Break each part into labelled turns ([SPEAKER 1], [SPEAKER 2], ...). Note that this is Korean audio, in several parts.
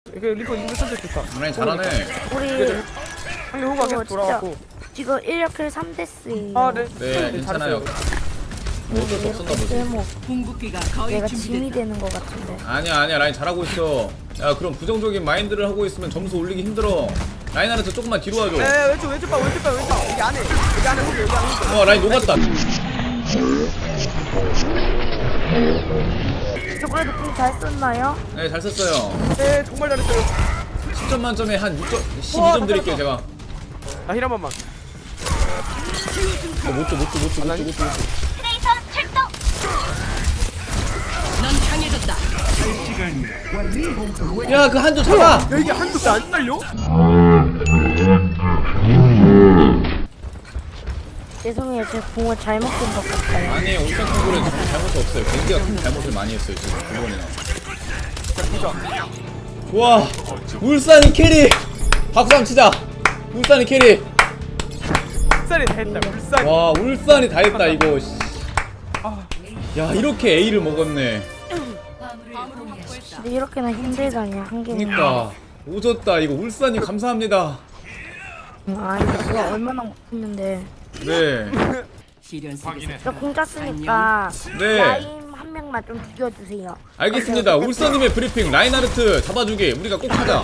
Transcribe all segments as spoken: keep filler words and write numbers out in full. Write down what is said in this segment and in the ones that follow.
[SPEAKER 1] 이거 리퍼 인물 선택 좋다.
[SPEAKER 2] 라인 잘하네.
[SPEAKER 3] 우리
[SPEAKER 1] 상대 호가 계속 돌아왔고.
[SPEAKER 3] 지금 일 킬 삼 데스예요.
[SPEAKER 1] 아, 네.
[SPEAKER 2] 네, 괜찮아요. 뭐 어쩔 수 없었나 보지.
[SPEAKER 3] 뭐 내가 짐이 되는 것 같은데.
[SPEAKER 2] 아니야 아니야 라인 잘하고 있어. 야 그럼 부정적인 마인드를 하고 있으면 점수 올리기 힘들어. 라인하르트 조금만 뒤로 와줘.
[SPEAKER 1] 네, 왼쪽 왼쪽 봐 왼쪽 봐 왼쪽. 여기 안에 여기 안에 호그 여기 안에 호그.
[SPEAKER 2] 어 라인 녹았다.
[SPEAKER 3] 저 그래도 궁잘 썼나요?
[SPEAKER 2] 네 잘 썼어요.
[SPEAKER 1] 네, 정말 잘했어요.
[SPEAKER 2] 십 점 만점에 한 육 점, 십이 점 드릴게요 제가.
[SPEAKER 1] 아, 힐 한 번만.
[SPEAKER 2] 어, 못줘 못줘 못줘 못줘 못줘. 야 그 한조 잡아.
[SPEAKER 1] 야, 이게 한도 안 날려?
[SPEAKER 3] 죄송해요, 제 궁을 잘못 쓴 것 같아요.
[SPEAKER 2] 아니 울산 콩고는 잘못이 없어요. 겐지가 큰 잘못을 많이 했어요 지금 두 번이나. 좋아 울산이 캐리. 박수 한번 치자. 울산이 캐리.
[SPEAKER 1] 울산이 다 했다. 울산.
[SPEAKER 2] 와 울산이 다 했다 이거. 야 이렇게 A를 먹었네.
[SPEAKER 3] 근데 이렇게나 힘들다니 한 개는.
[SPEAKER 2] 그니까 오졌다 이거. 울산이 감사합니다.
[SPEAKER 3] 아니 내가 얼마나 못했는데.
[SPEAKER 2] 네.
[SPEAKER 3] 저 공짜 쓰니까
[SPEAKER 2] 네.
[SPEAKER 3] 라임 한 명만 좀 죽여주세요.
[SPEAKER 2] 알겠습니다. 울산님의 브리핑 라인하르트 잡아주기 우리가 꼭 하자.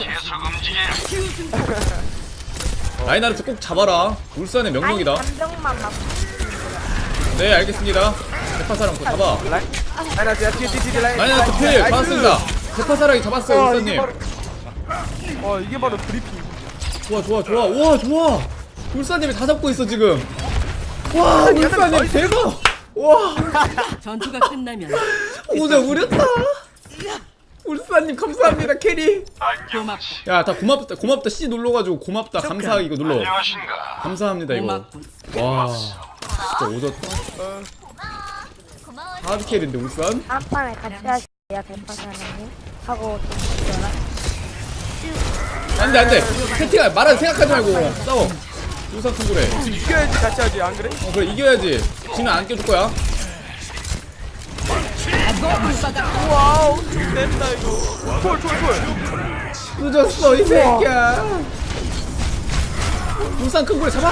[SPEAKER 2] 라인하르트 꼭 잡아라. 울산의 명령이다.
[SPEAKER 3] 아니 감정만 막.
[SPEAKER 2] 네 알겠습니다. 대파사랑 그거 잡아.
[SPEAKER 1] 라인. 라인 하지. 뒤에 뒤에 뒤에 라인.
[SPEAKER 2] 라인하르트 필 잡았습니다. 대파사랑이 잡았어요
[SPEAKER 1] 어,
[SPEAKER 2] 울산님.
[SPEAKER 1] 이게 바로, 어, 이게 바로 브리핑.
[SPEAKER 2] 좋아 좋아 좋아. 와 좋아. 울산님이 다 잡고 있어 지금. 와 울산님 대박. 와
[SPEAKER 4] 전투가 끝나면
[SPEAKER 2] 오자 우렸다. 울산님 감사합니다 캐리.
[SPEAKER 4] 고맙고
[SPEAKER 2] 야 다 고맙다 고맙다 C 눌러가지고 고맙다 감사 이거 눌러.
[SPEAKER 5] 안녕하신가.
[SPEAKER 2] 감사합니다 이거.
[SPEAKER 4] 고맙군.
[SPEAKER 2] 와 진짜 오졌다. 하드 캐리인데 울산?
[SPEAKER 3] 한 판에 같이 하시야 대파사장님 하고 좀 죽여라.
[SPEAKER 2] 안돼 안돼. 채팅아 말하지 생각하지 말고 싸워. 울산 콩그래.
[SPEAKER 1] 이겨야지 같이 하지, 안 그래?
[SPEAKER 2] 어 그래 이겨야지. 지면 안 껴줄 거야.
[SPEAKER 1] 와우, 됐다 이거. 콜, 콜, 콜.
[SPEAKER 2] 늦었어 이 새끼야. 울산 큰고래 잡아.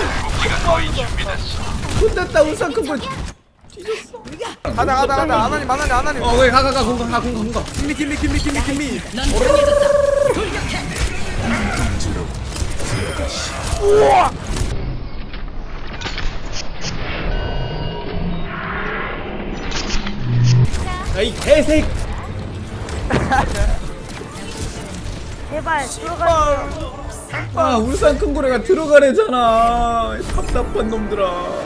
[SPEAKER 2] 끝났다 울산 큰고래.
[SPEAKER 1] 가자, 가자, 가자. 아나님, 아나님, 아나님.
[SPEAKER 2] 어 그래 가가가 공가 가 공가 공가.
[SPEAKER 1] 김미, 김미, 김미, 김미, 김미.
[SPEAKER 4] 넌 강해졌다. 돌격해.
[SPEAKER 1] 우와.
[SPEAKER 2] 야이 개새끼.
[SPEAKER 3] 제발 들어가.
[SPEAKER 2] 아 울산 큰고래가 들어가래잖아. 답답한 놈들아.